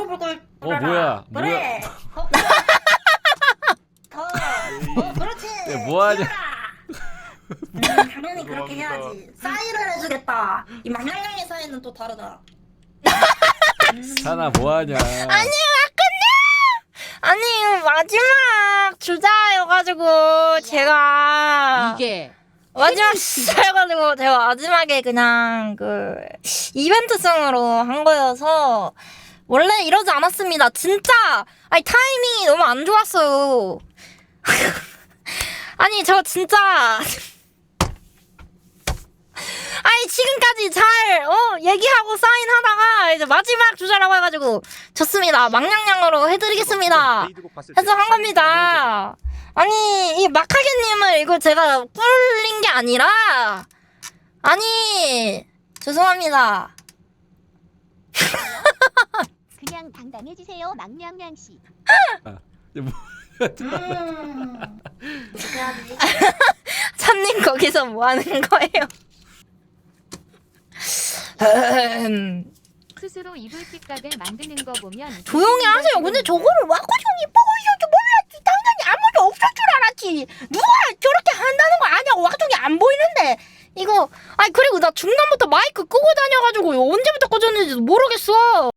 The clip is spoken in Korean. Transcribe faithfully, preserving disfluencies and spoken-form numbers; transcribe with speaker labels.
Speaker 1: 꿀꿀꿀꿀.
Speaker 2: 어 뭐야?
Speaker 1: 그래. 어, 더. 어, 그렇지.
Speaker 2: 야, 뭐하냐?
Speaker 1: 음, 당연히 그렇게 해야지. 사인을 해주겠다. 이 망냥냥의 사인은 또 다르다. 음.
Speaker 2: 사나 뭐하냐?
Speaker 3: 아니 아니 마지막 주자여가지고 제가
Speaker 4: 이게
Speaker 3: 마지막 주자여가지고 제가 마지막에 그냥 그 이벤트성으로 한 거여서 원래 이러지 않았습니다. 진짜 아니 타이밍이 너무 안 좋았어요. 아니 저 진짜 아니 지금까지 잘 어 얘기하고 사인하다가 이제 마지막 주자라고 해가지고 좋습니다. 망냥냥으로 해드리겠습니다. 해서 한 겁니다. 아니 이 마카게님을 이거 제가 꿀린 게 아니라 아니 죄송합니다.
Speaker 5: 그냥 당당해지세요, 망냥냥 씨.
Speaker 1: 음. 어떻게 해야지?
Speaker 3: 참님 거기서 뭐 하는 거예요?
Speaker 5: 스스로 이불킥각을 만드는 거 보면
Speaker 3: 조용히 하세요. 근데 저거를 와꾸정이 보고 있어도 몰랐지. 당연히 아무도 없을 줄 알았지. 누가 저렇게 한다는 거 아냐고. 와꾸정이 안 보이는데. 이거 아니 그리고 나 중간부터 마이크 끄고 다녀가지고 언제부터 꺼졌는지도 모르겠어.